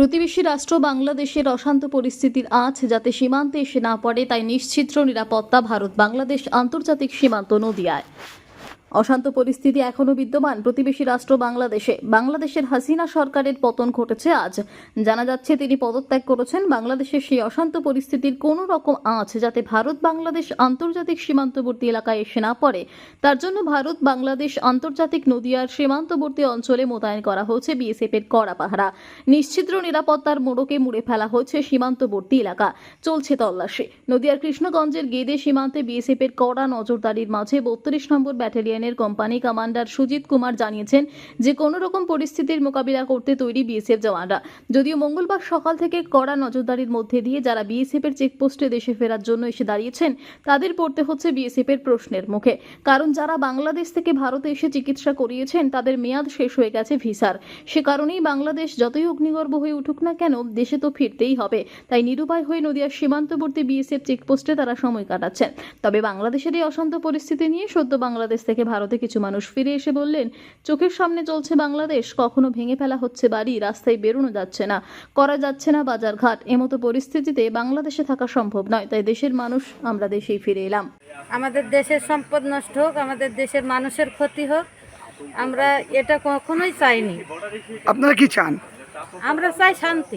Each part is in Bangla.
প্রতিবেশী রাষ্ট্র বাংলাদেশের অশান্ত পরিস্থিতির আঁচ যাতে সীমান্তে এসে না পড়ে তাই নিশ্ছিদ্র নিরাপত্তা ভারত বাংলাদেশ আন্তর্জাতিক সীমান্ত নদিয়ায়। অশান্ত পরিস্থিতি এখনও বিদ্যমান প্রতিবেশী রাষ্ট্র বাংলাদেশের হাসিনা সরকারের পতন ঘটেছে আজ। জানা যাচ্ছে তিনি পদত্যাগ করেছেন। বাংলাদেশের সেই অশান্ত পরিস্থিতির কোনো রকম আঁচ যাতে ভারত বাংলাদেশ আন্তর্জাতিক সীমান্তবর্তী এলাকায় এসে না পড়ে তার জন্য ভারত বাংলাদেশ আন্তর্জাতিক নদিয়ার সীমান্তবর্তী অঞ্চলে মোতায়েন করা হয়েছে বিএসএফ এর কড়া পাহারা। নিশ্ছিদ্র নিরাপত্তার মোড়কে মুড়ে ফেলা হয়েছে সীমান্তবর্তী এলাকা, চলছে তল্লাশি। নদিয়ার কৃষ্ণগঞ্জের গেদে সীমান্তে বিএসএফ এর কড়া নজরদারির মাঝে 32 নম্বর battalion company commander Sujit Kumar জানিয়েছেন যে কোনো রকম পরিস্থিতির মোকাবিলা করতে তৈরি বিএসএফ জওয়ানরা। যদিও মঙ্গলবার সকাল থেকে কড়া নজরদারির মধ্যে দিয়ে যারা বিএসএফ এর চেকপোস্টে দেশে ফেরার জন্য এসে দাঁড়িয়েছেন তাদের পড়তে হচ্ছে বিএসএফ এর প্রশ্নের মুখে, কারণ যারা বাংলাদেশ থেকে ভারতে এসে চিকিৎসা করিয়েছেন তাদের মেয়াদ শেষ হয়ে গেছে ভিসার। সে কারণেই বাংলাদেশ যতই অগ্নিগর্ভ হয়ে উঠুক না কেন দেশে তো ফিরতেই হবে, তাই নিরুপায় হয়ে নদিয়ার সীমান্তবর্তী বিএসএফ চেকপোস্টে তারা সময় কাটাচ্ছেন। তবে বাংলাদেশের এই অশান্ত পরিস্থিতি নিয়ে সদ্য বাংলাদেশ থেকে ভারতে কিছু মানুষ ফিরে এসে বললেন, চোখের সামনে চলছে বাংলাদেশ, কখনো ভেঙে ফেলা হচ্ছে বাড়ি, রাস্তায় বেরোনো যাচ্ছে না, করা যাচ্ছে না বাজারঘাট। এমতো পরিস্থিতিতে বাংলাদেশে থাকা সম্ভব নয়, তাই দেশের মানুষ আমরা দেশেই ফিরে এলাম। আমাদের দেশের সম্পদ নষ্ট হোক, আমাদের দেশের মানুষের ক্ষতি হোক, আমরা এটা কখনোই চাইনি। আপনারা কি চান? আমরা চাই শান্তি,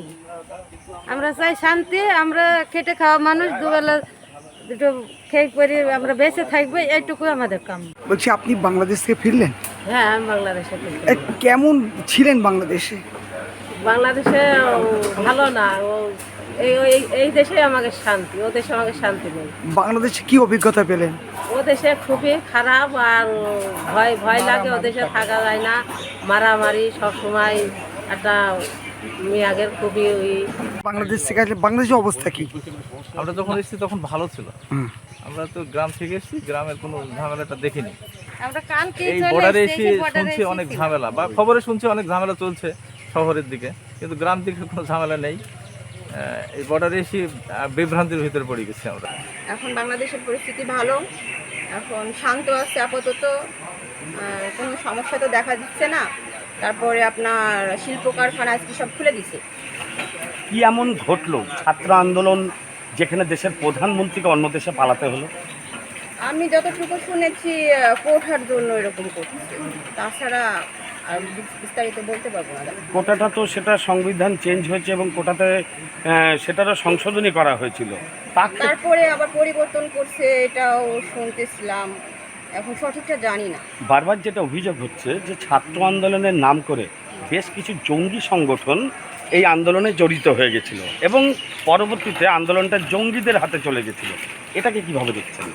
আমরা খেটে খাওয়া মানুষ, দুবেলা দুটো খেয়ে করে আমরা বেঁচে থাকবো, এইটুকু আমাদের কাম। বলছি আপনি বাংলাদেশ থেকে ফিরলেন? হ্যাঁ, আমি বাংলাদেশে কেমন ছিলেন বাংলাদেশে? বাংলাদেশে ভালো না, এই দেশে আমাকে শান্তি, ও দেশে আমাকে শান্তি নেই। বাংলাদেশে কি অভিজ্ঞতা পেলেন? ও দেশে খুবই খারাপ, আর ভয় লাগে, ও দেশে থাকা যায় না, মারামারি সবসময় একটা মেয়াগের খুবই। বাংলাদেশ থেকে আসলে বাংলাদেশের অবস্থা কি? আমরা যখন এসেছি তখন ভালো ছিল। আমরা তো গ্রাম থেকে এসেছি, গ্রামের কোনো ঝামেলাটা দেখিনি। এই বর্ডারে এসে শুনছি অনেক ঝামেলা, বা খবরে শুনছি অনেক ঝামেলা চলছে শহরের দিকে, কিন্তু গ্রাম দিকে কোনো ঝামেলা নেই। এই বর্ডারে এসে বিভ্রান্তির ভিতরে পড়ে গেছি আমরা। এখন বাংলাদেশের পরিস্থিতি ভালো, এখন শান্ত আছে আপাতত, কোনো সমস্যা তো দেখা দিচ্ছে না। তারপরে আপনার শিল্প কারখানা আজকে সব খুলে দিছে। কি এমন ঘটলো ছাত্র আন্দোলন যেখানে দেশের প্রধানমন্ত্রীকে অন্য দেশে পালাতে হলো? আমি যতটুকু শুনেছি কোটার জন্য এরকম করছে, তাছাড়া আর বিস্তারিত বলতে পারবো না। কোটাটা তো সেটা সংবিধান চেঞ্জ হয়েছে এবং কোটাতে সেটারও সংশোধনী করা হয়েছিল, তারপরে আবার পরিবর্তন করছে, এটাও শুনতেছিলাম, এখন সঠিকটা জানি না। বারবার যেটা অভিযোগ হচ্ছে যে ছাত্র আন্দোলনের নাম করে বেশ কিছু জঙ্গি সংগঠন এই আন্দোলনে জড়িত হয়ে গেছিল এবং পরবর্তীতে আন্দোলনটা জঙ্গিদের হাতে চলে গেছিল। এটাকে কিভাবে দেখছেন?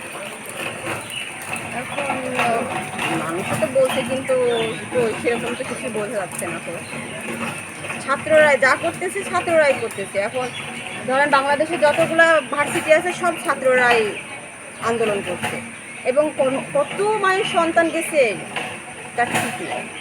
এখন মানুষ তো বলছে, কিন্তু সেরকম তো কিছু বোঝা যাচ্ছে না। তো ছাত্ররাই যা করতেছে, ছাত্ররাই করতেছে। এখন ধরেন বাংলাদেশে যতগুলো ভার্সিটি আছে সব ছাত্ররাই আন্দোলন করছে, এবং কত মায়ের সন্তান গেছে তার ঠিক নেই।